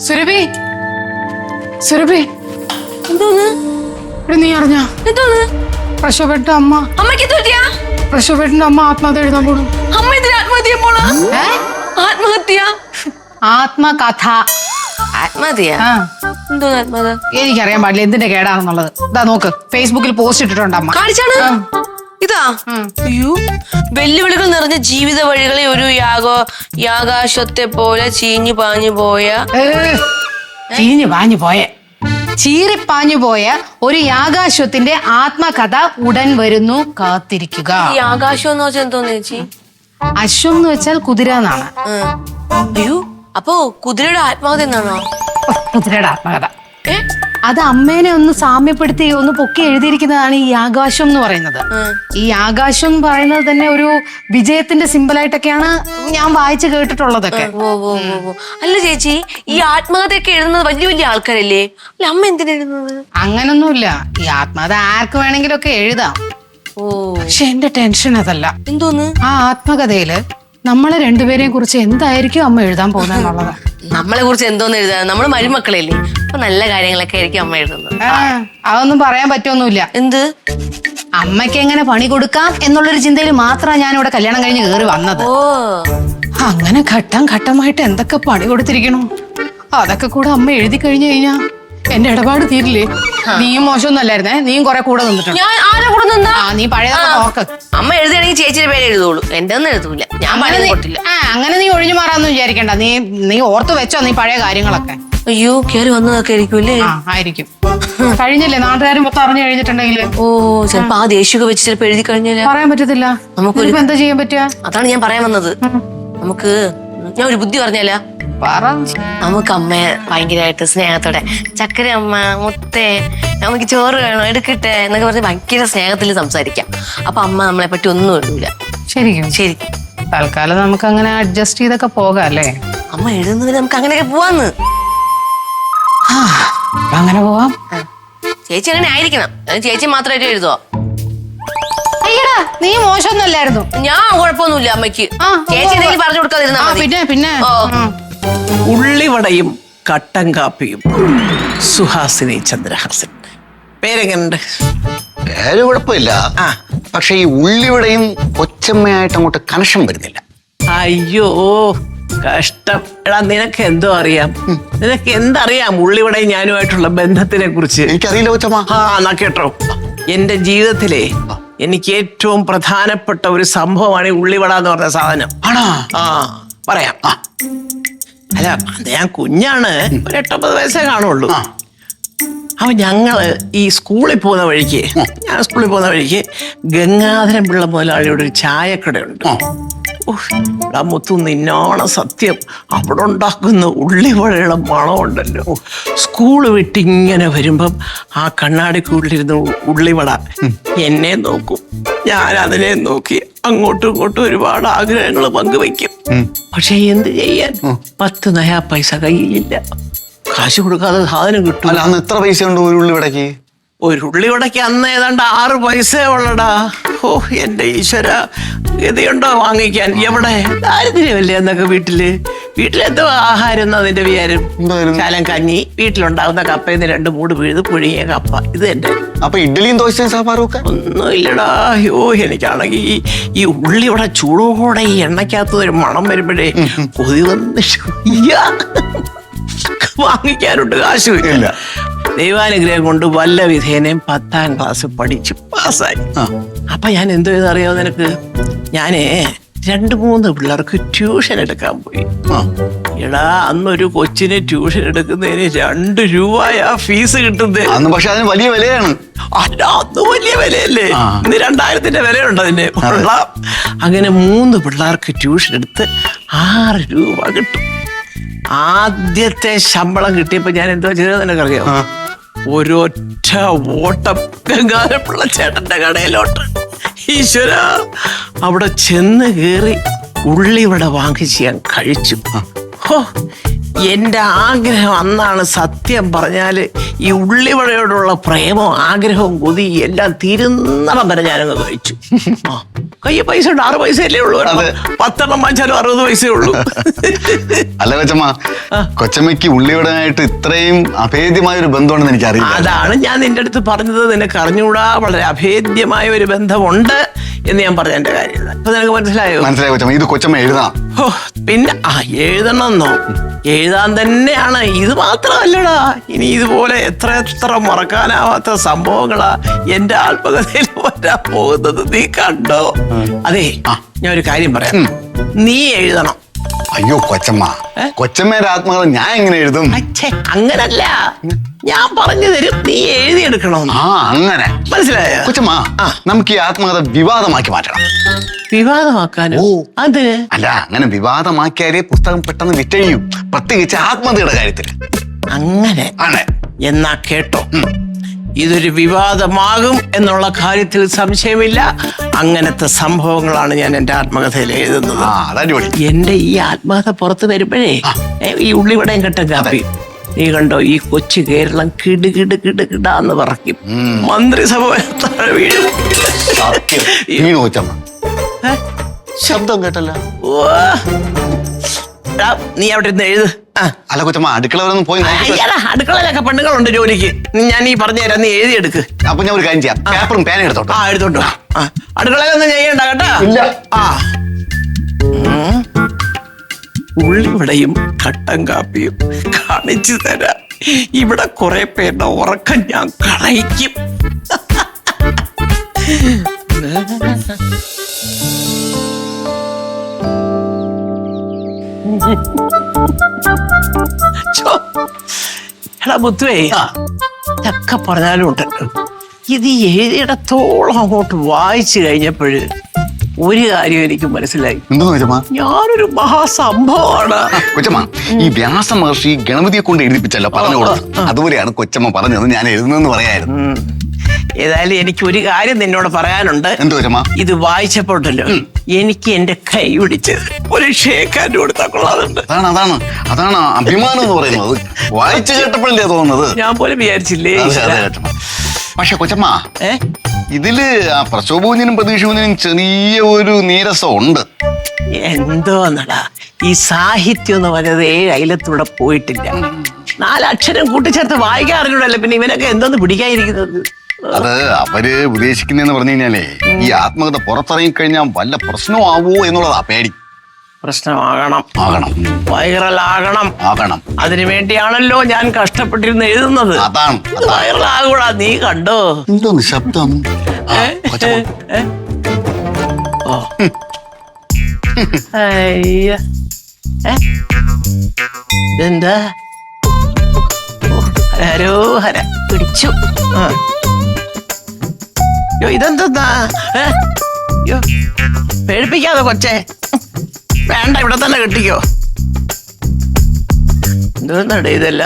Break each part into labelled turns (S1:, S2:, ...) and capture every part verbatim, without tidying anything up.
S1: സുരഭി സുരഭി
S2: എന്തോന്ന്
S1: നീ അറിഞ്ഞ
S2: എന്തോന്ന്
S1: പ്രശോഭേട്ടന്റെ അമ്മ
S2: അമ്മയ്ക്ക് തോറ്റിയാ
S1: പ്രശോഭേട്ടന്റെ അമ്മ ആത്മഹത്യ എഴുതാൻ പോണു.
S2: അമ്മ ഇതിന് ആത്മഹത്യ പോണോ? ആത്മഹത്യ
S1: ആത്മകഥ
S2: ആത്മഹത്യ എന്തോ ആത്മഹത്യ
S1: എനിക്കറിയാൻ പാടില്ല എന്തിന്റെ കേടാണെന്നുള്ളത്. ഇതാ നോക്ക്, ഫേസ്ബുക്കിൽ പോസ്റ്റ് ഇട്ടിട്ടുണ്ട് അമ്മ.
S2: കാണിച്ചാണ് ഇതാ. അയ്യോ, വെല്ലുവിളികൾ നിറഞ്ഞ ജീവിത വഴികളെ ഒരു യാഗോ യാകാശത്തെ പോലെ ചീഞ്ഞു പാഞ്ഞു പോയ
S1: ചീഞ്ഞു പാഞ്ഞു പോയ ചീറിപ്പാഞ്ഞു പോയ ഒരു യാഗാശ്വത്തിന്റെ ആത്മകഥ ഉടൻ വരുന്നു, കാത്തിരിക്കുക.
S2: ഈ ആകാശം എന്ന് വെച്ചാൽ എന്തോന്ന് ചേച്ചി?
S1: അശ്വം എന്ന് വെച്ചാൽ കുതിര എന്നാണ്.
S2: അയ്യോ, അപ്പോ കുതിരയുടെ ആത്മകഥ എന്നാണോ?
S1: കുതിരയുടെ ആത്മകഥ
S2: ഏ
S1: അത് അമ്മേനെ ഒന്ന് സാമ്യപ്പെടുത്തി ഒന്ന് പൊക്കി എഴുതിയിരിക്കുന്നതാണ് ഈ ആകാശം എന്ന് പറയുന്നത്. ഈ ആകാശം എന്ന് പറയുന്നത് തന്നെ ഒരു വിജയത്തിന്റെ സിമ്പിളായിട്ടൊക്കെയാണ് ഞാൻ വായിച്ചു കേട്ടിട്ടുള്ളതൊക്കെ.
S2: ഓ ഓ ഓ അല്ല ചേച്ചി, ഈ ആത്മകഥയൊക്കെ എഴുതുന്നത് വലിയ വലിയ ആൾക്കാരല്ലേ? അല്ല, അമ്മ എന്തിനാ എഴുതുന്നത്?
S1: അങ്ങനൊന്നുമില്ല, ഈ ആത്മകഥ ആർക്ക് വേണമെങ്കിലും ഒക്കെ എഴുതാം.
S2: ഓ,
S1: പക്ഷെ എന്റെ ടെൻഷൻ അതല്ല.
S2: എന്തോന്ന്?
S1: ആ ആത്മകഥയില് നമ്മളെ രണ്ടുപേരെയും കുറിച്ച് എന്തായിരിക്കും അമ്മ എഴുതാൻ പോകുന്നതെന്നുള്ളത്.
S2: നമ്മളെ കുറിച്ച് എന്തോന്ന് എഴുതാ? നമ്മള് മരുമക്കളല്ലേ, അപ്പൊ നല്ല കാര്യങ്ങളൊക്കെ ആയിരിക്കും അമ്മ എഴുതുന്നത്.
S1: അതൊന്നും പറയാൻ പറ്റുമൊന്നുമില്ല.
S2: എന്ത്?
S1: അമ്മയ്ക്ക് എങ്ങനെ പണി കൊടുക്കാം എന്നുള്ളൊരു ചിന്തയിൽ മാത്രമാണ് ഞാൻ ഇവിടെ കല്യാണം കഴിഞ്ഞ് കയറി വന്നത്.
S2: ഓ,
S1: അങ്ങനെ ഘട്ടം ഘട്ടമായിട്ട് എന്തൊക്കെ പണി കൊടുത്തിരിക്കണു, അതൊക്കെ കൂടെ അമ്മ എഴുതി കഴിഞ്ഞു കഴിഞ്ഞാ എന്റെ ഇടപാട് തീരില്ലേ? നീയും മോശമൊന്നുമല്ലായിരുന്നേ, നീയും കുറെ കൂടെ നിന്നിട്ടുണ്ട്.
S2: ഞാൻ ആരെ കൂടെ നിന്നാ?
S1: ആ, നീ പഴയതൊക്കെ ഓർക്ക്.
S2: അമ്മ എഴുതുകയാണെങ്കിൽ ചേച്ചിയുടെ പേര് എഴുതുള്ളൂ, എന്റെ ഒന്നും എഴുതൂല. ഞാൻ പഴയത് കൊട്ടില്ല.
S1: ആ, അങ്ങനെ നീ ഒഴിഞ്ഞു മാറാന്ന് വിചാരിക്കണ്ട. നീ നീ ഓർത്തു വെച്ചോ നീ പഴയ കാര്യങ്ങളൊക്കെ.
S2: അയ്യോ, കേറി വന്നതൊക്കെ ആയിരിക്കുമല്ലേ?
S1: ആ, ആയിരിക്കും. കഴിഞ്ഞില്ലേ, നാട്ടുകാരും മൊത്തം അറിഞ്ഞു കഴിഞ്ഞിട്ടുണ്ടെങ്കിൽ.
S2: ഓ, ചിലപ്പോ ആ ദേഷ്യമൊക്കെ വെച്ച് ചിലപ്പോ എഴുതി കഴിഞ്ഞാല്
S1: പറയാൻ പറ്റത്തില്ല. നമുക്ക് എന്താ ചെയ്യാൻ പറ്റുക?
S2: അതാണ് ഞാൻ പറയാൻ വന്നത്. നമുക്ക് ഞാൻ ഒരു ബുദ്ധി പറഞ്ഞാല നമുക്ക് അമ്മയെ ഭയങ്കരമായിട്ട് സ്നേഹത്തോടെ ചക്കര അമ്മ മുത്തേ നമുക്ക് ചോറ് വേണോ എടുക്കട്ടെ എന്നൊക്കെ പറഞ്ഞ് ഭയങ്കര സ്നേഹത്തിൽ സംസാരിക്കാം. അപ്പൊ അമ്മ നമ്മളെ പറ്റി ഒന്നും എഴുതൂല.
S1: ശരിക്കും
S2: ശരി,
S1: തൽക്കാലം നമുക്ക് അങ്ങനെ അഡ്ജസ്റ്റ് ചെയ്തൊക്കെ പോകാം അല്ലേ?
S2: അമ്മ എഴുതുന്നതിന് നമുക്ക് അങ്ങനെയൊക്കെ പോവാന്ന്.
S1: അങ്ങനെ പോവാം.
S2: ചേച്ചി അങ്ങനെ ആയിരിക്കണം. ചേച്ചി മാത്രമായിട്ട് എഴുതുവോ?
S1: അയ്യടാ, നീ മോശമൊന്നുമല്ലായിരുന്നു.
S2: ഞാൻ കുഴപ്പമൊന്നുമില്ല അമ്മയ്ക്ക്. ചേച്ചി എന്തെങ്കിലും പറഞ്ഞു കൊടുക്കാതിരുന്നാ മതി.
S1: പിന്നെ പിന്നെ
S3: ഉള്ളിവടയും കട്ടൻ കാപ്പിയും. സുഹാസിനി ചന്ദ്രഹാസൻ. പേരെങ്ങനുണ്ട്?
S4: പേര് കുഴപ്പമില്ല, പക്ഷെ ഈ ഉള്ളിവിടെയും കൊച്ചമ്മയായിട്ട് അങ്ങോട്ട് കണക്ഷൻ വരുന്നില്ല.
S3: അയ്യോ, കഷ്ടം. എടാ, നിനക്ക് എന്തോ അറിയാം? നിനക്ക് എന്തറിയാം ഉള്ളിവടയും ഞാനുമായിട്ടുള്ള ബന്ധത്തിനെ കുറിച്ച്?
S4: എനിക്കറിയില്ല കൊച്ചമ്മ.
S3: ആ, എന്നാ കേട്ടോ. എന്റെ ജീവിതത്തിലെ എനിക്ക് ഏറ്റവും പ്രധാനപ്പെട്ട ഒരു സംഭവമാണ് ഈ ഉള്ളിവട എന്ന് പറഞ്ഞ സാധനം.
S4: ആണോ?
S3: ആ, പറയാം. അല്ല, അത് ഞാൻ കുഞ്ഞാണ്, ഒരു എട്ടൊമ്പത് വയസ്സേ കാണുള്ളൂ. അപ്പൊ ഞങ്ങള് ഈ സ്കൂളിൽ പോകുന്ന വഴിക്ക് ഞാൻ സ്കൂളിൽ പോകുന്ന വഴിക്ക് ഗംഗാധരൻ പിള്ള മുതലാളിയുടെ ഒരു ചായക്കടയുണ്ട്. മുത്തു നിന്നോണം സത്യം, അവിടെ ഉണ്ടാക്കുന്ന ഉള്ളിവടയുടെ മണമുണ്ടല്ലോ. സ്കൂള് വിട്ടിങ്ങനെ വരുമ്പം ആ കണ്ണാടിക്കൂടിലിരുന്ന് ഉള്ളിവട എന്നെ നോക്കും, ഞാൻ അതിനെ നോക്കി അങ്ങോട്ടും ഇങ്ങോട്ടും ഒരുപാട് ആഗ്രഹങ്ങൾ പങ്കുവയ്ക്കും. പക്ഷെ എന്ത് ചെയ്യാൻ, പത്ത് നയാ പൈസ കയ്യിലില്ല. കാശ് കൊടുക്കാതെ സാധനം കിട്ടും.
S4: അല്ല, അന്ന് എത്ര പൈസ ഉണ്ട് ഒരു ഉള്ളിവടയ്ക്ക്?
S3: ഒരു ഉള്ളിവടയ്ക്ക് അന്ന് ഏതാണ്ട് ആറ് പൈസ ഉള്ളടാ. ഓ എന്റെ ഈശ്വര, ഗതിയുണ്ടോ വാങ്ങിക്കാൻ? എവിടെ ദാരിദ്ര്യമല്ലേ എന്നൊക്കെ. വീട്ടില് വീട്ടിലെന്തോ ആഹാരം എന്ന് അതിന്റെ വിചാരം. ശാലം കഞ്ഞി, വീട്ടിലുണ്ടാവുന്ന കപ്പയിൽ നിന്ന് രണ്ട് മൂട് പിഴുത് പുഴുങ്ങിയ കപ്പ, ഇത് തന്നെ.
S4: അപ്പൊ ഇഡ്ഡലിയും ദോശയും സാമ്പാറും ഒക്കെ
S3: ഒന്നും ഇല്ലടാ. അയ്യോ, എനിക്കാണെങ്കിൽ ഈ ഈ ഉള്ളിവട ചൂടോടെ ഈ എണ്ണയ്ക്കകത്ത് ഒരു മണം വരുമ്പോഴേ കൊതി വന്നിട്ട് വാങ്ങിക്കാനുണ്ട്, കാശ് ഇല്ല. ദൈവാനുഗ്രഹം കൊണ്ട് വല്ല വിധേനയും പത്താം ക്ലാസ് പഠിച്ചു പാസ്സായി. അപ്പൊ ഞാൻ എന്തോ ചെയ്തറിയാമോ നിനക്ക്? ഞാനേ രണ്ട് മൂന്ന് പിള്ളേർക്ക് ട്യൂഷൻ എടുക്കാൻ പോയി. എടാ, അന്നൊരു കൊച്ചിന് ട്യൂഷൻ എടുക്കുന്നതിന് രണ്ട് രൂപയാ ഫീസ് കിട്ടുന്നത്.
S4: അന്ന് പക്ഷെ അതിന് വലിയ വിലയാണ്.
S3: അല്ല, അന്ന് വലിയ വിലയല്ലേ? ഇന്ന് രണ്ടായിരത്തിന്റെ വിലയുണ്ട് അതിന്റെ. അങ്ങനെ മൂന്ന് പിള്ളേർക്ക് ട്യൂഷൻ എടുത്ത് ആറ് രൂപ കിട്ടും. ആദ്യത്തെ ശമ്പളം കിട്ടിയപ്പോ ഞാൻ എന്തോ ചെയ്തത് നിനക്കറിയാം? ഒരൊറ്റ ഓട്ടം ഗംഗാധരപിള്ള ചേട്ടന്റെ കടയിലോട്ട്. ഈശ്വര, അവിടെ ചെന്ന് കയറി ഉള്ളിവട വാങ്ങിച്ച് ഞാൻ കഴിച്ചു. ഹോ, എന്റെ ആഗ്രഹം അന്നാണ് സത്യം പറഞ്ഞാല് ഈ ഉള്ളിവടയോടുള്ള പ്രേമവും ആഗ്രഹവും കൊതി എല്ലാം തീരുന്നണം വരെ ഞാനങ്ങ് കഴിച്ചു. ആ, കയ്യിൽ പൈസ ഉണ്ട്, ആറ് പൈസയല്ലേ ഉള്ളൂ. പത്തെണ്ണം വാങ്ങിച്ചാലും അറുപത് പൈസയേ ഉള്ളൂ.
S4: അല്ല കൊച്ചമ്മ, കൊച്ചമ്മയ്ക്ക് ഉള്ളിവടനായിട്ട് ഇത്രയും അഭേദ്യമായ ഒരു ബന്ധമുണ്ടെന്ന് എനിക്ക് അറിയില്ല.
S3: അതാണ് ഞാൻ നിന്റെ അടുത്ത് പറഞ്ഞത്. നിനക്ക് അറിഞ്ഞുകൂടാ, വളരെ അഭേദ്യമായ ഒരു ബന്ധമുണ്ട് എന്ന് ഞാൻ പറഞ്ഞ എന്റെ കാര്യം. അപ്പൊ നിനക്ക് മനസ്സിലായോ?
S4: മനസ്സിലായി കൊച്ചമ്മ. ഇത് കൊച്ചമ്മ എഴുതണം.
S3: ഓ, പിന്നെ ആ എഴുതണമെന്നോ? എഴുതാൻ തന്നെയാണ്. ഇത് മാത്രമല്ലടാ, ഇനി ഇതുപോലെ എത്ര എത്ര മറക്കാനാവാത്ത സംഭവങ്ങളാ എന്റെ ആത്മകഥയിൽ വരാൻ പോകുന്നത്. നീ കണ്ടോ? അതെ, ഞാൻ ഒരു കാര്യം പറയാം. നീ എഴുതണം.
S4: അയ്യോ കൊച്ചമ്മ, കൊച്ചമ്മയുടെ ആത്മകഥ ഞാൻ എങ്ങനെ എഴുതും?
S3: അച്ഛേ, അങ്ങനല്ല, ഞാൻ പറഞ്ഞു തരും, നീ എഴുതിയെടുക്കണം.
S4: ആ, അങ്ങനെ
S3: മനസ്സിലായോ?
S4: കൊച്ചമ്മ, നമുക്ക് ഈ ആത്മകഥ വിവാദമാക്കി മാറ്റണം.
S3: വിവാദമാക്കാനോ? അത്
S4: അല്ല, അങ്ങനെ വിവാദമാക്കിയാലേ പുസ്തകം പെട്ടെന്ന് വിറ്റഴിയും, പ്രത്യേകിച്ച് ആത്മകഥയുടെ കാര്യത്തിൽ.
S3: അങ്ങനെ
S4: ആണ്.
S3: എന്നാ കേട്ടോ, ഇതൊരു വിവാദമാകും എന്നുള്ള കാര്യത്തിൽ സംശയമില്ല. അങ്ങനത്തെ സംഭവങ്ങളാണ് ഞാൻ എന്റെ ആത്മകഥയിൽ എഴുതുന്നത്.
S4: ആ, അതടിപൊളി.
S3: എന്റെ ഈ ആത്മകഥ പുറത്ത് വരുമ്പോഴേ ഈ ഉള്ളിവടയും കെട്ട കാപ്പി, നീ കണ്ടോ, ഈ കൊച്ചു കേരളം കിട് കിട് കിട് കിടാന്ന് പറക്കും. മന്ത്രിസഭ താഴെ വീഴും.
S4: സത്യം. വീണു കൊച്ചമ്മ. ശബ്ദം കേട്ടല്ലോ.
S3: ഓ, എടാ, നീ അവിടെ ഇരുന്ന് എഴുത്.
S4: അല്ല കൊച്ചമ്മ, അടുക്കള വരെ ഒന്ന് പോയി നോക്കിയിട്ട്
S3: അയ്യടാ, അടുക്കളയിലൊക്കെ പെണ്ണുങ്ങളുണ്ട് ജോലിക്ക്. ഞാൻ ഈ പറഞ്ഞു തരാം, നീ എഴുതിയെടുക്ക്.
S4: അപ്പൊ ഞാൻ ഒരു കാര്യം ചെയ്യാം, പേപ്പറും പേന എടുത്തോട്ടോ.
S3: ആ, എടുത്തോട്ടോ. ആ, അടുക്കളയിലൊന്നും ചെയ്യണ്ട കേട്ടാ.
S4: ഇല്ല.
S3: ആ, ഉള്ളിവടയും കട്ടൻ കാപ്പിയും കാണിച്ചു തരാം. ഇവിടെ കുറെ പേരുടെ ഉറക്കം ഞാൻ കളയിക്കും. ചോ, എടാ മുത്തുവേ, ഇതൊക്കെ പറഞ്ഞാലും ഉണ്ടല്ലോ, ഇത് എഴുതിയിടത്തോളം അങ്ങോട്ട് വായിച്ചു കഴിഞ്ഞപ്പോഴ് ഒരു കാര്യം എനിക്ക് മനസ്സിലായി.
S4: എന്താ കൊച്ചമ്മ?
S3: ഞാനൊരു മഹാസംഭവമാണ്.
S4: കൊച്ചമ്മ, ഈ വ്യാസ മഹർഷി ഗണപതിയെ കൊണ്ട് എഴുതിപ്പിച്ചല്ലോ പറഞ്ഞു കൊടുത്തു. അതുപോലെയാണ് കൊച്ചമ്മ പറഞ്ഞത് ഞാൻ എഴുതുന്നെന്ന് പറയായിരുന്നു.
S3: ഏതായാലും എനിക്ക് ഒരു കാര്യം നിന്നോട് പറയാനുണ്ട്.
S4: എന്ത് കൊച്ചമ്മ?
S3: ഇത് വായിച്ചപ്പോഴല്ലോ എനിക്ക് എന്റെ കൈ പിടിച്ച് ഒരു ഷേക്കാൻ്റെ കൊടുത്താൽ കൊള്ളാറുണ്ട്.
S4: അതാണ് അതാണ് അതാണ് അഭിമാനം എന്ന് പറയുന്നത്. വായിച്ചു കേട്ടപ്പോഴല്ലേ തോന്നുന്നത്.
S3: ഞാൻ പോലും വിചാരിച്ചില്ലേ.
S4: പക്ഷെ കൊച്ചമ്മ,
S3: ഏ
S4: ഇതില് ആ പ്രശോഭൂഞ്ഞിനും പ്രതീക്ഷൂഞ്ഞിനും ചെറിയ ഒരു നീരസം ഉണ്ട്.
S3: എന്തോ എന്നടാ, ഈ സാഹിത്യം എന്ന് പറയുന്നത് ഏഴ് അയലത്തൂടെ പോയിട്ടില്ല. നാലക്ഷരം കൂട്ടിച്ചേർത്ത് വായിക്കാറില്ലല്ലോ, പിന്നെ ഇവനൊക്കെ എന്തോന്ന് പിടിക്കാതിരിക്കുന്നത്.
S4: അത് അവര് ഉദ്ദേശിക്കുന്നതെന്ന് പറഞ്ഞു കഴിഞ്ഞാലേ, ഈ ആത്മകഥ പുറത്തിറങ്ങി കഴിഞ്ഞാൽ വല്ല പ്രശ്നമാവോ എന്നുള്ളതാ പേടി.
S3: പ്രശ്നമാകണം,
S4: ആകണം,
S3: വൈറലാകണം,
S4: ആകണം.
S3: അതിനു വേണ്ടിയാണല്ലോ ഞാൻ കഷ്ടപ്പെട്ടിരുന്ന് എഴുതുന്നത്.
S4: അതാണ്
S3: വൈറലാകൂടാ. നീ കണ്ടോ
S4: എന്തോന്ന് ശബ്ദം?
S3: ഓ, അയ്യ, ഇതെന്താ? ഹരോ ഹര, പിടിച്ചു. ആ, യോ, ഇതെന്താ? യോ, പേടിപ്പിക്കാതെ കൊച്ചേ. വേണ്ട, ഇവിടെ തന്നെ കെട്ടിക്കോ. എന്തോന്നടേ ഇതല്ല?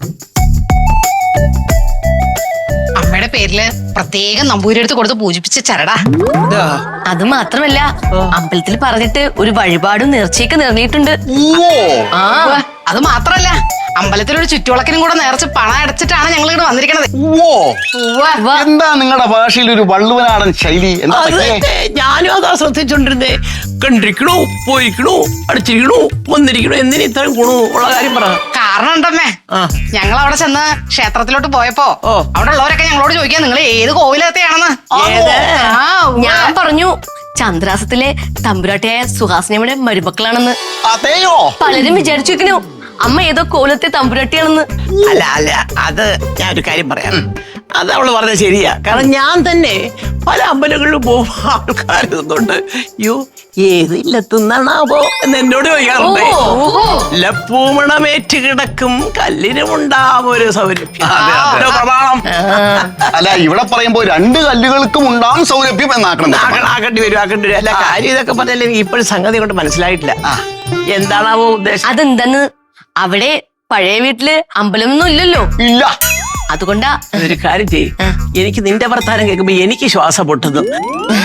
S1: അമ്മയുടെ പേരില് പ്രത്യേകം നമ്പൂരിയെടുത്ത് കൊടുത്ത് പൂജിപ്പിച്ച ചരടാ.
S3: ഇതാ.
S2: അത് മാത്രമല്ല, അമ്പലത്തിൽ പറഞ്ഞിട്ട് ഒരു വഴിപാടും നേർച്ചയൊക്കെ നേർന്നിട്ടുണ്ട്. ആ,
S1: അത് മാത്രല്ല, അമ്പലത്തിലൊരു ചുറ്റുവിളക്കിനും കൂടെ നേർച്ച് പണം അടച്ചിട്ടാണ് ഞങ്ങൾ ഇവിടെ വന്നിരിക്കണത്.
S4: എന്താ നിങ്ങളുടെ ഭാഷയിൽ ഒരു വള്ളുവനാടൻ ശൈലി? എന്താ
S3: അത് തന്നെ, ഞാനും അതാ ശ്രദ്ധിച്ചോണ്ടിരുന്നേ. കണ്ടിരിക്കണോ, പോയിരിക്കണോ, അടിച്ചിരിക്കണോ, വന്നിരിക്കണോ, എന്തിനു ഇത്രയും ഗുണോ ഉള്ള കാര്യം പറ.
S1: കാരണം ഉണ്ടമ്മേ, ഞങ്ങൾ അവിടെ ചെന്ന് ക്ഷേത്രത്തിലോട്ട് പോയപ്പോ അവിടെ ഉള്ളവരൊക്കെ ഞങ്ങളോട് ചോദിക്കാൻ നിങ്ങൾ ഏത് കോവിലത്തെയാണെന്ന്.
S2: ഞാൻ പറഞ്ഞു ചന്ദ്രാസത്തിലെ തമ്പുരാട്ടിയായ സുഹാസിനിയുടെ മരുമക്കളാണെന്ന്.
S4: അതെയോ?
S2: പലരും വിചാരിച്ചു വെക്കണു അമ്മ ഏതോ കോലത്തെ തമ്പുരാട്ടിയാണെന്ന്.
S3: അല്ല അല്ല, അത് ഞാൻ ഒരു കാര്യം പറയാം. അത് അവള് പറഞ്ഞത് ശരിയാ. കാരണം ഞാൻ തന്നെ പല അമ്പലങ്ങളിലും പോകുമ്പോ ആൾക്കാരുന്നുണ്ട്, യോ ഏത് ഇല്ലത്തുന്നാണാവോ എന്ന് എന്നോട് ചോദിക്കാറുണ്ട്. ലപ്പൂമണമേറ്റ് കിടക്കും കല്ലിനുമുണ്ടാവും ഒരു സൗരഭ്യം. പ്രമാണം.
S4: അല്ല, ഇവിടെ പറയുമ്പോ രണ്ട് കല്ലുകൾക്കും ഉണ്ടാവും സൗരഭ്യം എന്നാക്കണം.
S3: ആക്കേണ്ടി വരും, ആക്കേണ്ടി വരും. അല്ല, കാര്യം ഇതൊക്കെ പറഞ്ഞാൽ എനിക്ക് ഇപ്പോഴും സംഗതി കൊണ്ട് മനസ്സിലായിട്ടില്ല. എന്താണാവോ ഉദ്ദേശം?
S2: അതെന്തെന്ന്, അവിടെ പഴയ വീട്ടില് അമ്പലമൊന്നും ഇല്ലല്ലോ.
S4: ഇല്ല.
S2: അതുകൊണ്ടാ.
S3: ഒരു കാര്യം ചെയ്യ്, എനിക്ക് നിന്റെ വർത്താനം കേൾക്കുമ്പോ എനിക്ക് ശ്വാസം പൊട്ടുന്നു.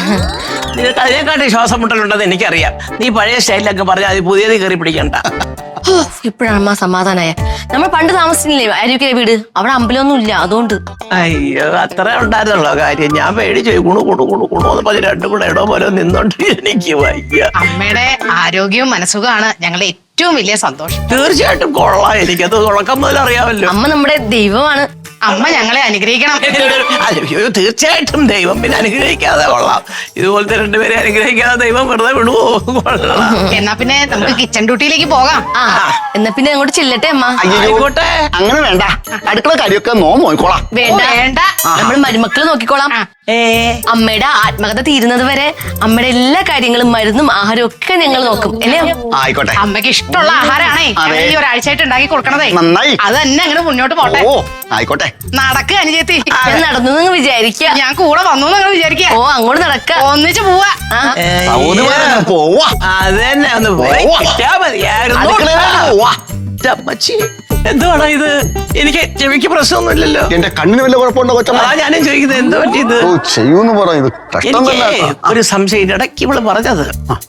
S3: നിനക്ക് അതിനെക്കാട്ടി ശ്വാസം മുട്ടലുണ്ടെന്ന് എനിക്കറിയാം. നീ പഴയ സ്റ്റൈലിലൊക്കെ പറഞ്ഞാൽ അത് പുതിയത് കയറി പിടിക്കണ്ട.
S2: ഇപ്പോഴാണ് അമ്മ സമാധാനായ. നമ്മൾ പണ്ട് താമസിച്ചില്ലേ അരുവിക്കര വീട്, അവിടെ അമ്പലമൊന്നും ഇല്ല, അതുകൊണ്ട്.
S3: അയ്യോ അത്ര ഉണ്ടായിരുന്നുള്ള കാര്യം. ഞാൻ പേടിച്ചു കുണു കുണു കുണു കുണു എന്ന് പറഞ്ഞ് രണ്ടും കൂടെ ഇടോ പോലെ നിന്നോണ്ട് എനിക്ക് വയ്യ.
S1: അമ്മയുടെ ആരോഗ്യവും മനസ്സുഖമാണ് ഞങ്ങളുടെ ഏറ്റവും വലിയ സന്തോഷം.
S3: തീർച്ചയായിട്ടും കൊള്ളാം, എനിക്കത് തുടക്കം മുതൽ അറിയാമല്ലോ.
S2: അമ്മ നമ്മുടെ ദൈവമാണ്.
S1: അമ്മ ഞങ്ങളെ അനുഗ്രഹിക്കണം.
S3: അയ്യോ തീർച്ചയായിട്ടും ദൈവം പിന്നെ അനുഗ്രഹിക്കാതെ കൊള്ളാം. ഇതുപോലത്തെ രണ്ടുപേരെ അനുഗ്രഹിക്കാതെ ദൈവം വെറുതെ വിടുവോ? കൊള്ളാം.
S1: എന്നാ പിന്നെ നമുക്ക് കിച്ചൺ ഡ്യൂട്ടിയിലേക്ക് പോകാം.
S2: ആ എന്നാ പിന്നെ അങ്ങോട്ട് ചെല്ലട്ടെ അമ്മ.
S3: ആയിക്കോട്ടെ.
S4: അങ്ങനെ വേണ്ട, അടുക്കള കാര്യമൊക്കെ നോ നോക്കിക്കോളാം.
S2: വേണ്ട
S1: വേണ്ട.
S2: നമ്മൾ മരുമക്കള് നോക്കിക്കോളാം.
S3: ഏ
S2: അമ്മയുടെ ആത്മകഥ തീരുന്നത് വരെ അമ്മയുടെ എല്ലാ കാര്യങ്ങളും മരുന്നും ആഹാരവും ഒക്കെ ഞങ്ങൾ നോക്കും അല്ലേ?
S4: ആയിക്കോട്ടെ.
S1: അമ്മയ്ക്ക് ഇഷ്ടമുള്ള ആഹാരാണേ
S4: അതെ.
S1: ഈ ഒരാഴ്ചയായിട്ട് ഉണ്ടാക്കി കൊടുക്കണതേ.
S4: നന്നായി.
S1: അത് തന്നെ അങ്ങനെ മുന്നോട്ട് പോട്ടെ.
S4: ഓ ആയിക്കോട്ടെ.
S2: നടക്കുക അനുജത്തി.
S1: ആ.
S2: ഞാൻ നടന്നു എന്ന് വിചാരിക്കുക.
S1: ഞാൻ കൂടെ വന്നു നിങ്ങൾ വിചാരിക്കുക.
S2: ഓ അങ്ങോട്ട് നടക്ക.
S1: ഒന്നിച്ച് പോവാ.
S2: ആ.
S4: സൗദിമാരൊക്കെ പോവാ.
S3: അത് തന്നെ ഒന്ന് പോയി
S4: പോവാ.
S3: കിട്ടാ മതിയായിരുന്നു.
S4: അടുക്കളയിലേക്ക് പോവാ.
S3: അമ്മച്ചി എന്തുവാടാ ഇത്? എനിക്ക് ചെവിക്ക് പ്രശ്നമൊന്നുമില്ലല്ലോ.
S4: എന്റെ കണ്ണിന് വല്ല കുഴപ്പമുണ്ടോ കൊച്ചമ്മ?
S3: അതാ ഞാനും ചോദിക്കുന്നത് എന്താ പറ്റിയത്?
S4: ഓ ചെയ്യൂന്ന് പറ, ഇത് കഷ്ടം
S3: എനിക്ക്
S4: തന്നെ.
S3: ഒരു സംശയം. ഇടയ്ക്ക് ഇവള് പറഞ്ഞത്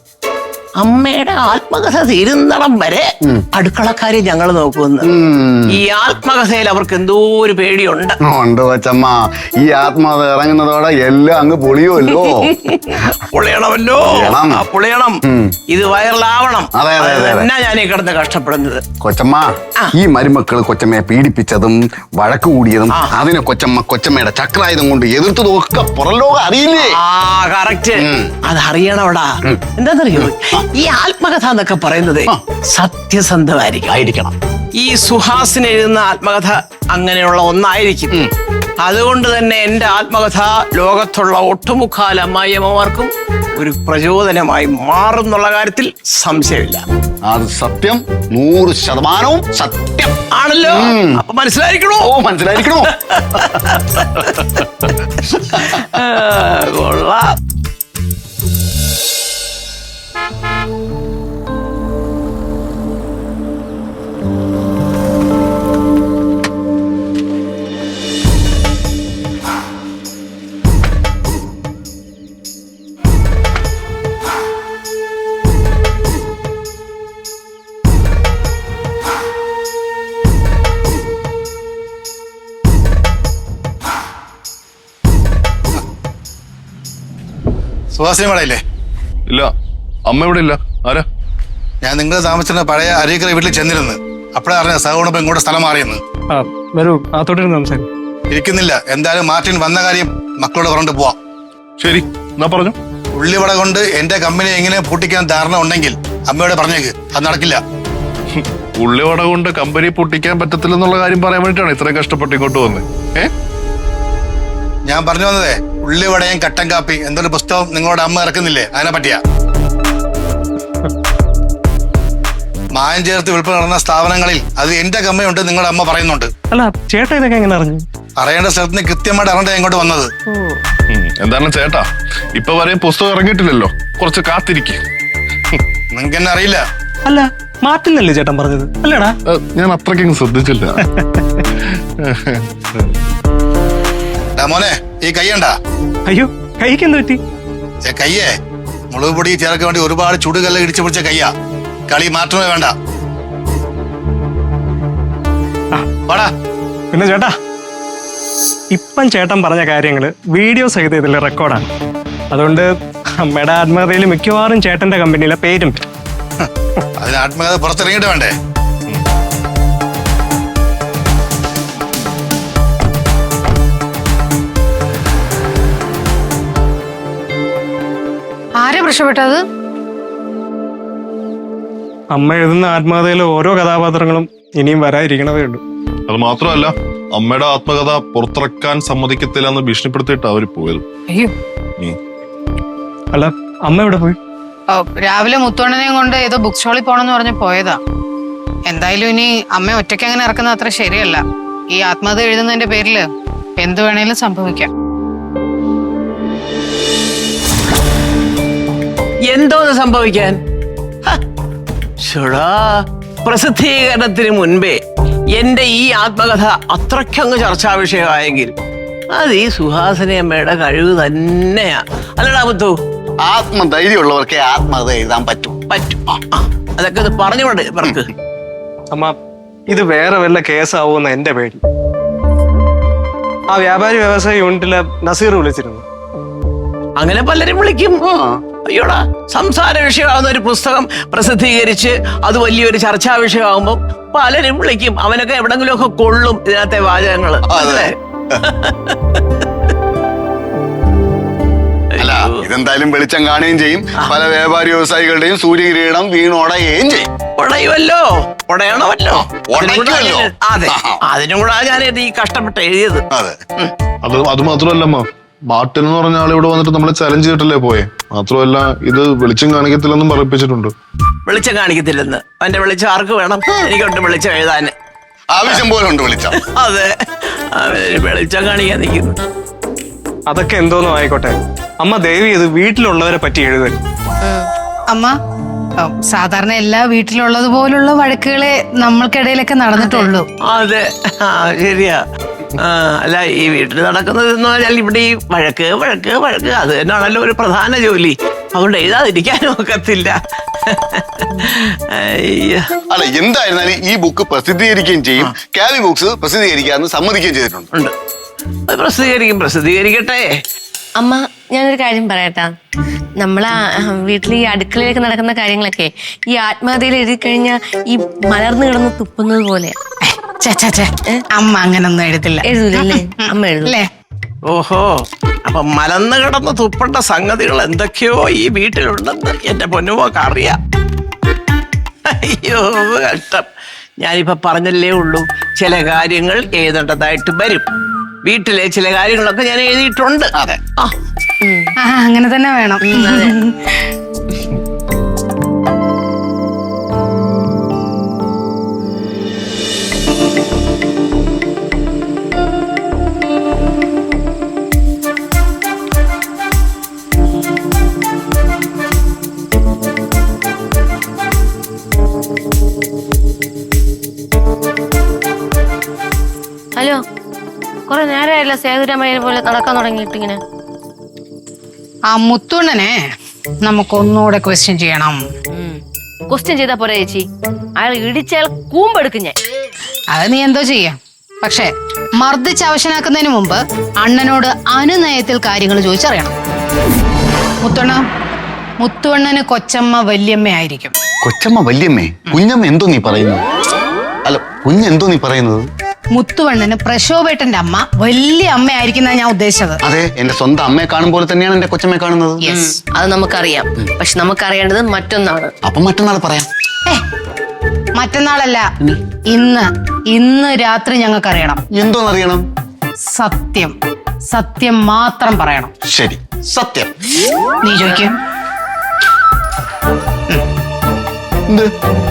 S3: അമ്മയുടെ ആത്മകഥ തീരുന്നിടം വരെ അടുക്കളക്കാരെ ഞങ്ങൾ നോക്കുമെന്ന്.
S4: ഉം.
S3: ഈ ആത്മകഥയിൽ അവർക്ക് എന്തോ ഒരു പേടിയുണ്ട്.
S4: ഉണ്ട് കൊച്ചമ്മ, ഈ ആത്മാവ് ഇറങ്ങുന്നതോടെ എല്ലാം അങ്ങ് പൊളിയുമല്ലോ.
S3: പൊളിയണമല്ലോ.
S4: പൊളിയണം.
S3: ആ, പൊളിയണം.
S4: ഉം.
S3: ഇത് വൈറലാവണം.
S4: അതെ, അതെ, അതെ, അതെ.
S3: എന്നാ ഞാൻ ഈ കിടന്ന് കഷ്ടപ്പെടുന്നത്.
S4: കൊച്ചമ്മ, ഈ മരുമക്കള് കൊച്ചമ്മയെ പീഡിപ്പിച്ചതും വഴക്ക് കൂടിയതും അതിനെ കൊച്ചമ്മ കൊച്ചമ്മയുടെ ചക്രായുധം കൊണ്ട് എതിർത്തതും ഒക്കെ പുറംലോകം അറിയില്ലേ?
S3: ആ കറക്റ്റ്.
S4: ഉം.
S3: അത് അറിയണവടാ. എന്താന്നറിയോ, ഈ ആത്മകഥ എന്നൊക്കെ പറയുന്നത് സത്യസന്ധമായിരിക്കും
S4: ആയിരിക്കണം.
S3: ഈ സുഹാസിന് എഴുതുന്ന ആത്മകഥ അങ്ങനെയുള്ള ഒന്നായിരിക്കും. അതുകൊണ്ട് തന്നെ എന്റെ ആത്മകഥ ലോകത്തുള്ള ഒട്ടുമുക്കാൽ അമ്മായിയമ്മമാർക്കും ഒരു പ്രചോദനമായി മാറുന്നുള്ള കാര്യത്തിൽ സംശയമില്ല.
S4: അത് സത്യം, നൂറ് ശതമാനവും സത്യം
S3: ആണല്ലോ. അപ്പൊ മനസ്സിലായിരിക്കണോ?
S4: ഓ മനസ്സിലായിരിക്കണോ?
S3: ആ, കൊള്ളാം.
S5: സുഹാസിനി മേടയില്ലേ?
S6: ഇല്ല, അമ്മ ഇവിടെ ഇല്ല. ആരാ?
S5: ഞാൻ നിങ്ങൾ താമസിച്ചിരുന്ന പഴയ അരീക്കര വീട്ടിൽ ചെന്നിരുന്നു. അപ്പോഴേ അറിഞ്ഞ സഹോണിപ്പം ഇങ്ങോട്ട് സ്ഥലം മാറിയെന്ന്.
S7: ആ വരൂ, അകത്തോട്ടിരുന്ന് സംസാരിക്കും.
S5: ഇരിക്കുന്നില്ല. എന്തായാലും മാർട്ടിൻ വന്ന കാര്യം മക്കളോട് പറഞ്ഞിട്ട് പോവാം.
S6: ശരി, എന്നാ പറഞ്ഞു.
S5: ഉള്ളിവട കൊണ്ട് എന്റെ കമ്പനി എങ്ങനെ പൂട്ടിക്കാൻ ധാരണ ഉണ്ടെങ്കിൽ അമ്മയോട് പറഞ്ഞേക്ക്, അത് നടക്കില്ല.
S6: ഉള്ളിവട കൊണ്ട് കമ്പനി പൊട്ടിക്കാൻ പറ്റത്തില്ലെന്നുള്ള കാര്യം പറയാൻ വേണ്ടിയിട്ടാണ് ഇത്രയും കഷ്ടപ്പെട്ട് ഇങ്ങോട്ട് വന്നത്. ഏ
S5: ഞാൻ പറഞ്ഞു വന്നതേ, ഉള്ളിവടയും കട്ടൻ കാപ്പി എന്തൊരു പുസ്തകം നിങ്ങളോട് അമ്മ ഇറക്കുന്നില്ലേ, അതിനെ പറ്റിയാ. മായം ചേർത്ത് വിൽപ്പന നടന്ന സ്ഥാപനങ്ങളിൽ അത് എന്റെ കമ്പനി ഉണ്ട് നിങ്ങളുടെ അമ്മ പറയുന്നുണ്ട്.
S7: അല്ല ചേട്ടാ, ഇതൊക്കെ എങ്ങനെ അറിഞ്ഞു?
S5: അറിയേണ്ട സ്ഥലത്തിന് കൃത്യമായിട്ട് അറിഞ്ഞ ഇങ്ങോട്ട് വന്നത്.
S6: ഉം, എന്താണ് ചേട്ടാ, ഇപ്പൊ വരെയും പുസ്തകം ഇറങ്ങിയിട്ടില്ലല്ലോ, കുറച്ച് കാത്തിരിക്കെ.
S5: നിങ്ങൾക്ക് എന്നെ അറിയില്ല.
S7: അല്ല മാറ്റില്ലല്ലേ ചേട്ടൻ പറഞ്ഞത്, അല്ലേടാ?
S6: ഞാൻ അത്രയ്ക്കും ശ്രദ്ധിച്ചില്ല.
S5: ഡാ മോനെ, ഈ കയ്യണ്ടാ?
S7: അയ്യോ, കൈക്ക് എന്ത് പറ്റി?
S5: ഏ കയ്യേ, മുളക് പൊടി ചേർക്കാൻ വേണ്ടി ഒരുപാട് ചുടുകല്ല് ഇടിച്ചു പിടിച്ച കയ്യാ. കളി മാറ്റമേ വേണ്ട. വാടാ.
S7: പിന്നെ ചേട്ടാ, ഇപ്പം ചേട്ടൻ പറഞ്ഞ കാര്യങ്ങള് വീഡിയോ സഹിതം ഇതിൽ റെക്കോർഡാണ്. അതുകൊണ്ട് അമ്മയുടെ ആത്മകഥയിൽ മിക്കവാറും ചേട്ടന്റെ കമ്പനിയിലെ പേരും.
S5: അതിന് ആത്മകഥ പുറത്തിറങ്ങിയിട്ട് വേണ്ടേ?
S1: ആരെ പ്രശ്നപ്പെട്ടത്?
S7: അമ്മ എഴുതുന്ന ആത്മകഥയിലെ ഓരോ കഥാപാത്രങ്ങളും ഇനിയും വരാതിരിക്കണതേ ഉള്ളൂ.
S6: അത് മാത്രമല്ല, അമ്മയുടെ ആത്മകഥ പുറത്തിറക്കാൻ സമ്മതിക്കത്തില്ല എന്ന് ഭീഷണിപ്പെടുത്തിയിട്ട് അവര് പോയത്.
S1: അയ്യോ,
S6: ഉം.
S7: അല്ല അമ്മ എവിടെ പോയി?
S1: ഓ, രാവിലെ മുത്തോണ്ണനെയും കൊണ്ട് ഏതോ ബുക്ക് സ്റ്റോളിൽ പോണെന്ന് പറഞ്ഞ് പോയതാ. എന്തായാലും ഇനി അമ്മ ഒറ്റയ്ക്ക് അങ്ങനെ ഇറക്കുന്നത് അത്ര ശരിയല്ല. ഈ ആത്മകഥ എഴുതുന്നതിന്റെ പേരില് എന്ത് വേണേലും സംഭവിക്കാം.
S3: എന്തോന്ന് സംഭവിക്കാൻ? ഹ, ശ്ശോടാ, പ്രസിദ്ധീകരണത്തിന് മുൻപേ എന്റെ ഈ ആത്മകഥ അത്രയ്ക്കങ്ങ് ചർച്ചാ വിഷയമായെങ്കിൽ അത് ഈ സുഹാസിനി അമ്മയുടെ കഴിവ് തന്നെയാ. അല്ലടാ മുത്തു?
S4: ആത്മധൈര്യമുള്ളവർക്കേ ആത്മകഥ എഴുതാൻ പറ്റൂ.
S3: പറ്റും. ആ, ആ, അതൊക്കെ ഒന്ന് പറഞ്ഞുകൊണ്ട് ഇവർക്ക്
S7: അമ്മ ഇത് വേറെ വല്ല കേസാവുമെന്ന് എന്റെ പേടി. ആ വ്യാപാരി വ്യവസായ യൂണിറ്റിലെ നസീർ വിളിച്ചിരുന്നു.
S3: അങ്ങനെ പലരും വിളിക്കും. അയ്യോടാ, സംസാര വിഷയമാകുന്ന ഒരു പുസ്തകം പ്രസിദ്ധീകരിച്ച് അത് വലിയൊരു ചർച്ചാ വിഷയമാകുമ്പോൾ പലരും വിളിക്കും. അവനൊക്കെ എവിടെങ്കിലും ഒക്കെ കൊള്ളും ഇതിനകത്തെ വാചകങ്ങള്.
S4: അതെ. അല്ല ഇതെന്തായാലും വെളിച്ചം കാണുകയും ചെയ്യും. പല വ്യാപാരി വ്യവസായികളുടെയും സൂര്യകിരീടം വീണോടയുകയും ചെയ്യും.
S3: ഉടയുമല്ലോ, ഉടയണമല്ലോ.
S4: ഉടയ്ക്കുമല്ലോ.
S3: അതെ, അതിനും കൂടെ ഞാൻ ഈ കഷ്ടപ്പെട്ട് എഴുതിയത്.
S4: അതെ.
S6: അത് അത് മാത്രമല്ലമ്മ, മാർട്ടിൻ എന്ന് പറഞ്ഞ ആൾ ഇവിടെ വന്നിട്ട് നമ്മളെ ചലഞ്ച് ചെയ്തിട്ടല്ലേ പോയെ. മാത്രമല്ല ഇത് വെളിച്ചം കാണിക്കത്തില്ലെന്നും പറയിപ്പിച്ചിട്ടുണ്ട്.
S3: വെളിച്ചം കാണിക്കത്തില്ലെന്ന്. അവന്റെ വെളിച്ചം ആർക്ക് വേണം? എനിക്കുണ്ട് വെളിച്ചം എഴുതാന്.
S4: ആവശ്യം പോലെ ഉണ്ട് വെളിച്ചം.
S3: അതെ, അവന് വെളിച്ചം കാണിക്കാൻ നിൽക്കുന്നു.
S7: അതൊക്കെ എന്തോന്നും ആയിക്കോട്ടെ, അമ്മ ദേവി ഇത് വീട്ടിലുള്ളവരെ പറ്റി എഴുതൽ.
S1: അമ്മ, ഓ, സാധാരണ എല്ലാ വീട്ടിലുള്ളത് പോലുള്ള വഴക്കുകളെ നമ്മൾക്കിടയിലൊക്കെ നടന്നിട്ടുള്ളൂ.
S3: അതെ, ആ ശരിയാ. ആ, അല്ല ഈ വീട്ടിൽ നടക്കുന്നത് എന്ന് പറഞ്ഞാൽ ഇവിടെ ഈ വഴക്ക് വഴക്ക് വഴക്ക് അത് തന്നെയാണല്ലോ ഒരു പ്രധാന ജോലി. അതുകൊണ്ട് എഴുതാതിരിക്കാനും ഒക്കത്തില്ല. അയ്യോ.
S4: അല്ല എന്തായിരുന്നാലും ഈ ബുക്ക് പ്രസിദ്ധീകരിക്കുകയും ചെയ്യും. കാവി ബുക്സ് പ്രസിദ്ധീകരിക്കാമെന്ന് സമ്മതിക്കുകയും ചെയ്തിട്ടുണ്ട്.
S3: ഉണ്ട്, അത് പ്രസിദ്ധീകരിക്കും, പ്രസിദ്ധീകരിക്കട്ടെ.
S2: അമ്മ ഞാനൊരു കാര്യം പറയട്ടാ. നമ്മളെ വീട്ടിൽ ഈ അടുക്കളയിലേക്ക് നടക്കുന്ന കാര്യങ്ങളൊക്കെ ഈ ആത്മകഥയിൽ എഴുതി കഴിഞ്ഞാൽ ഈ മലർന്നു കിടന്ന് തുപ്പുന്നത് പോലെ.
S1: ഛെ, ഛെ, ഛെ. അമ്മ അങ്ങനൊന്നും എഴുതില്ല.
S2: എഴുതൂലല്ലേ? അമ്മ എഴുതും.
S1: അല്ലേ?
S3: ഓഹോ, അപ്പൊ മലന്ന് കിടന്ന് തുപ്പേണ്ട സംഗതികൾ എന്തൊക്കെയോ ഈ വീട്ടിലുണ്ടെന്ന് എന്റെ പൊന്നുമോക്ക് അറിയാം. അയ്യോ കഷ്ടം. ഞാനിപ്പോ പറഞ്ഞല്ലേ ഉള്ളൂ, ചില കാര്യങ്ങൾ എഴുതേണ്ടതായിട്ട് വരും. വീട്ടിലെ ചില കാര്യങ്ങളൊക്കെ ഞാൻ എഴുതിയിട്ടുണ്ട്.
S4: അതെ.
S3: ആ,
S1: ആ, അങ്ങനെ തന്നെ വേണം.
S2: ഹലോ, കുറെ നേരമായില്ല സേതുരാമയ്യനെ പോലെ നടക്കാൻ തുടങ്ങിയിട്ട് ഇങ്ങനെ.
S1: ആ മുത്തുണ്ണനെ നമുക്കൊന്നുകൂടെ ക്വസ്റ്റ്യൻ ചെയ്യണം.
S2: ക്വസ്റ്റ്യൻ ചെയ്താ പോരാ ചേച്ചി, അയാൾ ഇടിച്ചയാൾ കൂമ്പെടുക്കും ഞാൻ.
S1: അത് നീ എന്തോ ചെയ്യാം. പക്ഷെ മർദ്ദിച്ച് അവശനാക്കുന്നതിന് മുമ്പ് അണ്ണനോട് അനുനയത്തിൽ കാര്യങ്ങൾ ചോദിച്ചറിയണം. മുത്തുണ്ണ, മുത്തുവണ്ണന് കൊച്ചമ്മ വല്യമ്മയായിരിക്കും.
S4: കൊച്ചമ്മ വല്യമ്മേ? കുഞ്ഞമ്മ എന്തോ നീ പറയുന്നത്? അല്ല കുഞ്ഞെന്തോ നീ പറയുന്നത്?
S1: മുത്തുവണ്ണന് പ്രശോഭേട്ടന്റെ അമ്മ വലിയ അമ്മയായിരിക്കുന്ന ഞാൻ ഉദ്ദേശിച്ചത്.
S4: അതെ, എന്റെ സ്വന്തം അമ്മയെ കാണും പോലെ തന്നെയാണ് എന്റെ കൊച്ചമ്മയെ കാണുന്നത്.
S1: യെസ്.
S2: അത് നമുക്കറിയാം. പക്ഷെ നമുക്കറിയേണ്ടത് മറ്റൊന്നാണ്.
S4: അപ്പൊ മറ്റന്നാൾ പറയാം.
S1: ഏ, മറ്റന്നാളല്ല, ഇന്ന് ഇന്ന് രാത്രി ഞങ്ങൾക്കറിയണം.
S4: എന്തോന്നറിയണം?
S1: സത്യം, സത്യം മാത്രം പറയണം.
S4: ശരി, സത്യം.
S1: നീ ചോദിക്കും.
S4: എന്ത്?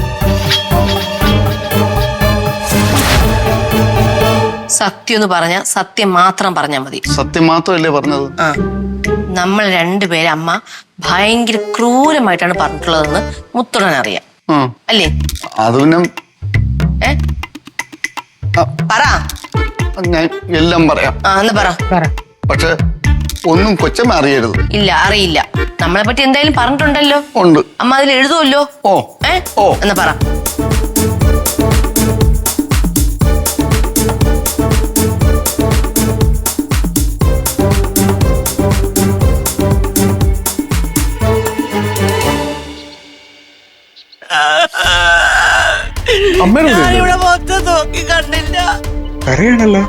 S2: സത്യം എന്ന് പറഞ്ഞ സത്യം മാത്രം പറഞ്ഞാൽ മതി.
S4: സത്യം മാത്രമല്ലേ പറഞ്ഞത്?
S2: നമ്മൾ രണ്ടുപേരെ അമ്മ ഭയങ്കര ക്രൂരമായിട്ടാണ് പറഞ്ഞിട്ടുള്ളതെന്ന് മുത്തുടൻ അറിയാം.
S4: ആ,
S2: അല്ലേ?
S4: അത് പിന്നെ
S2: ഏ പറ.
S4: ഞാൻ എല്ലാം പറയാം.
S2: ആ എന്ന് പറ.
S1: പറ.
S4: പക്ഷെ ഒന്നും കൊച്ചമ്മ അറിയരുത്.
S2: ഇല്ല, അറിയില്ല. നമ്മളെ പറ്റി എന്തായാലും പറഞ്ഞിട്ടുണ്ടല്ലോ.
S4: ഉണ്ട്.
S2: അമ്മ അതിൽ എഴുതുമല്ലോ.
S4: ഓ
S2: ഏ
S4: ഓ
S2: എന്നാ പറ.
S3: ഞാനിവിടെ മൊത്തം നോക്കി കണ്ടില്ല.
S7: കരയാണല്ലോ.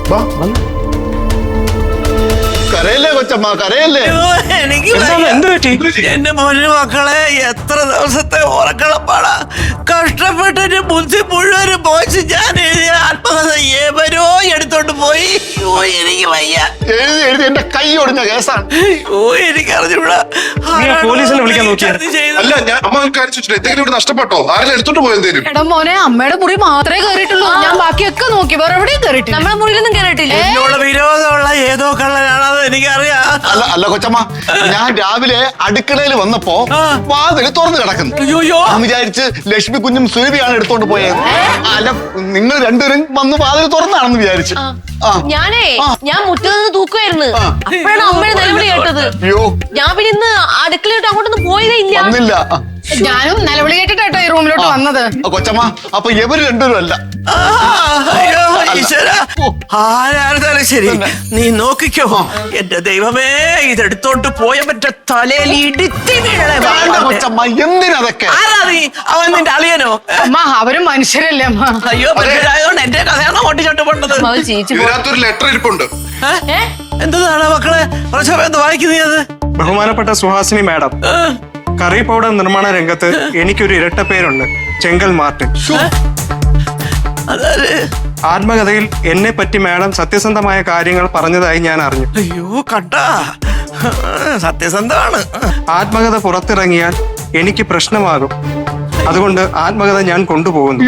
S4: കരയല്ലേ കൊച്ചമ്മ, കരയല്ലേ?
S3: അയ്യോ, എനിക്ക്
S7: എന്താ,
S3: വയ്യ.
S7: എന്ത് പറ്റി?
S3: എന്റെ മോനെ മക്കളെ എത്ര ദിവസത്തെ ഉറക്കളപ്പാടാ. കഷ്ടപ്പെട്ടിട്ട് ബുദ്ധി മുഴുവനും പോയിച്ച് ഞാൻ എഴുതിയ ആത്മകഥ ഏവരോ എടുത്തോണ്ട് പോയി. അയ്യോ എനിക്ക് വയ്യ.
S4: എഴുതി എഴുതി എന്റെ കൈ ഒടിഞ്ഞ കേസാണ്.
S3: അയ്യോ എനിക്ക് അറിഞ്ഞൂടാ.
S7: നീ ആ പോലീസിനെ വിളിക്കാൻ നോക്കിയോ?
S6: അല്ല ഞാൻ അമ്മ കാര്യം ചോദിച്ചിട്ട് എന്തെങ്കിലും ഇവിടെ നഷ്ടപ്പെട്ടോ? ആരെങ്കിലും എടുത്തോണ്ട് പോയോ എന്തേലും?
S1: എടാ മോനെ, അമ്മയുടെ മുറി മാത്രമേ കയറിയിട്ടുള്ളൂ. ഞാൻ ബാക്കിയൊക്കെ നോക്കി, വേറെ എവിടെയും കയറിയിട്ടില്ല.
S2: നമ്മളെ മുറിയിലൊന്നും കേറിയിട്ടില്ല.
S3: എന്നോട് വിരോധമുള്ള ഏതോ കള്ളനാണത് എനിക്കറിയാം.
S4: അല്ല അല്ല കൊച്ചമ്മ, ഞാൻ രാവിലെ അടുക്കളയിൽ വന്നപ്പോ വാതിൽ തുറന്നു കിടക്കുന്നു.
S3: അയ്യോയ്യോ.
S4: ഞാൻ വിചാരിച്ച് ലക്ഷ്മി കുഞ്ഞും സുരഭിയാണ് എടുത്തോണ്ട് പോയത്. അല്ല നിങ്ങൾ രണ്ടുപേരും വന്ന് വാതിൽ തുറന്നാണെന്ന് വിചാരിച്ചു. ആ
S2: ഞാനേ ഞാൻ മുറ്റത്ത് നിന്ന് തൂക്കുമായിരുന്നു.
S4: ആ.
S2: അപ്പോഴാണ് അമ്മയുടെ നിലവിളി കേട്ടത്.
S4: അയ്യോ
S2: ഞാൻ പിന്നെ ഇന്ന് അടുക്കളയിട്ട് അങ്ങോട്ടൊന്നും പോയതേ ഇല്ല.
S4: വന്നില്ല. ആ,
S1: ഞാനും നിലവിളി കേട്ടിട്ടോ ഈ റൂമിലോട്ട് വന്നത്.
S4: കൊച്ചമ്മ അപ്പൊ ഇവര് രണ്ടുപേരും അല്ല.
S3: ആ, അയ്യോ, ഈശ്വരാ. ആരായിരുന്നാലും ശരി, നീ നോക്കിക്കോ. എന്റെ ദൈവമേ, ഇതെടുത്തോണ്ട് പോയ മറ്റേ തലയിൽ ഇടുത്തി വീഴണേ.
S4: വേണ്ട കൊച്ചമ്മ, എന്തിനതൊക്കെ?
S3: ആരാ നീ? അവൻ നിന്റെ അളിയനോ?
S1: അമ്മ അവരും മനുഷ്യരല്ലേ അമ്മ.
S3: അയ്യോ, മനുഷ്യരായതുകൊണ്ട് എന്റെ കഥയാണോ ഓട്ടിച്ചോട്ട് പോണ്ടത്?
S2: അവൾ ചേച്ചി പോ-
S5: ഇതിനകത്തൊരു ലെറ്റർ ഇരിപ്പുണ്ട്.
S2: ഏ?
S3: എന്താണ് മക്കളെ പ്രശോഭ വായിക്കുന്നത്?
S7: ബഹുമാനപ്പെട്ട സുഹാസിനി മാഡം, കറി പൗഡർ നിർമ്മാണ രംഗത്ത് എനിക്കൊരു ഇരട്ട പേരുണ്ട്, ചെങ്കൽ മാർട്ടിൻ.
S3: അതാര്?
S7: ആത്മകഥയിൽ എന്നെ പറ്റി മാഡം സത്യസന്ധമായ കാര്യങ്ങൾ പറഞ്ഞതായി ഞാൻ അറിഞ്ഞു.
S3: അയ്യോ കണ്ടാ, സത്യസന്ധമാണ്.
S7: ആത്മകഥ പുറത്തിറങ്ങിയാൽ എനിക്ക് പ്രശ്നമാകും. അതുകൊണ്ട് ആത്മകഥ ഞാൻ കൊണ്ടുപോകുന്നു.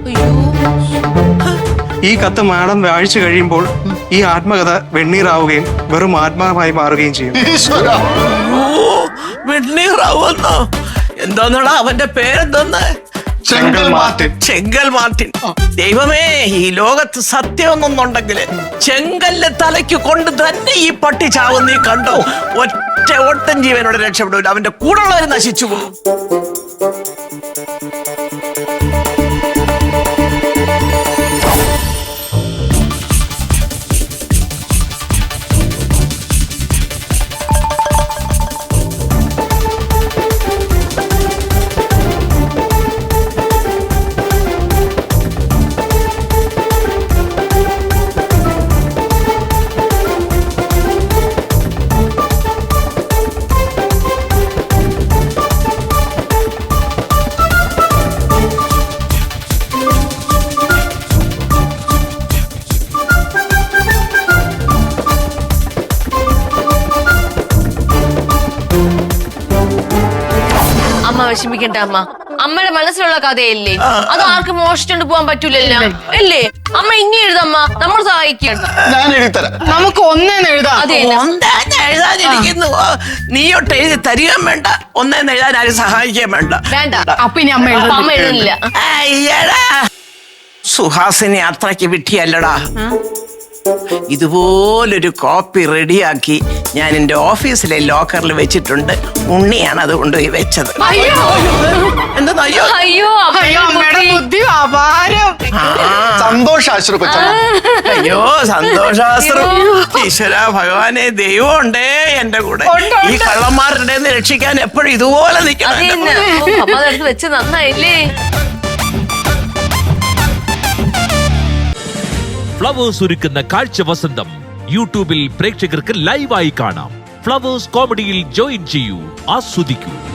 S7: ഈ കത്ത് മാഡം വായിച്ചു കഴിയുമ്പോൾ ഈ ആത്മകഥ വെണ്ണീറാവുകയും വെറും ആത്മാവായി മാറുകയും ചെയ്യും.
S4: ഈശ്വരാ.
S3: ഓ, വെണ്ണീറാവുന്നോ? എന്തോന്നടാ അവന്റെ പേരെന്തോന്ന്?
S4: ചെങ്കൽ മാർട്ടിൻ.
S3: ചെങ്കൽ മാർട്ടിൻ. ദൈവമേ, ഈ ലോകത്ത് സത്യമൊന്നുണ്ടെങ്കിൽ ചെങ്കല്ല് തലയ്ക്ക് കൊണ്ട് തന്നെ ഈ പട്ടി ചാവും. നീ കണ്ടോ? ഒറ്റ ഒട്ടൻ ജീവനോട് രക്ഷപ്പെടൂല, അവന്റെ കൂടെയുള്ളവർ നശിച്ചു പോകും.
S2: അമ്മ വിഷമിക്കണ്ട അമ്മ. അമ്മയുടെ മനസ്സിലുള്ള കഥയല്ലേ, അത് ആർക്കും മോഷിച്ചോണ്ട് പോകാൻ പറ്റൂലല്ലോ അല്ലേ? അമ്മ ഇനി എഴുതമ്മ, നമ്മൾ സഹായിക്കണം.
S4: ഞാൻ എഴുതിത്തരാം.
S1: നമുക്ക് ഒന്നേന്ന് എഴുതാം.
S2: അതെ,
S3: ഒന്നേന്ന് എഴുതാനിരിക്കുന്നു. നീയൊട്ട് എഴുതി തരികയും വേണ്ട, ഒന്നേന്ന് എഴുതാൻ ആരും സഹായിക്കുകയും വേണ്ട.
S2: വേണ്ട.
S1: അപ്പൊ ഇനി അമ്മ
S2: അപ്പൊ അമ്മ
S1: എഴുതും.
S2: എഴുതുന്നില്ല.
S3: അയ്യടാ, സുഹാസിനി അത്രയ്ക്ക് വിട്ടിയല്ലടാ. ഇതുപോലൊരു കോപ്പി റെഡിയാക്കി ഞാൻ എന്റെ ഓഫീസിലെ ലോക്കറിൽ വെച്ചിട്ടുണ്ട്. ഉണ്ണിയാണ് അത് കൊണ്ടുപോയി വെച്ചത്.
S1: അയ്യോ
S3: എന്താ അയ്യോ?
S2: അയ്യോ
S1: അയ്യോ അമ്മയുടെ
S2: അമ്മയുടെ
S1: ബുദ്ധി അപാരം.
S4: സന്തോഷാശ്രു കൊച്ചമ്മ.
S3: അയ്യോ സന്തോഷാസ്ത്രം. ഈശ്വര ഭഗവാനെ, ദൈവം ഉണ്ടേ എന്റെ കൂടെ.
S1: ഉണ്ട്, ഉണ്ട്.
S3: ഈ കള്ളന്മാരുടെ രക്ഷിക്കാൻ എപ്പോഴും ഇതുപോലെ നിൽക്കണം.
S2: അതെ
S3: എന്റെ കൂടെ.
S2: അമ്മ അതെടുത്ത് വെച്ച് നന്നായില്ലേ?
S8: ഫ്ലവേഴ്സ് ഒരുക്കുന്ന കാഴ്ച വസന്തം യൂട്യൂബിൽ പ്രേക്ഷകർക്ക് ലൈവായി കാണാം. ഫ്ലവേഴ്സ് കോമഡിയിൽ ജോയിൻ ചെയ്യൂ, ആസ്വദിക്കൂ.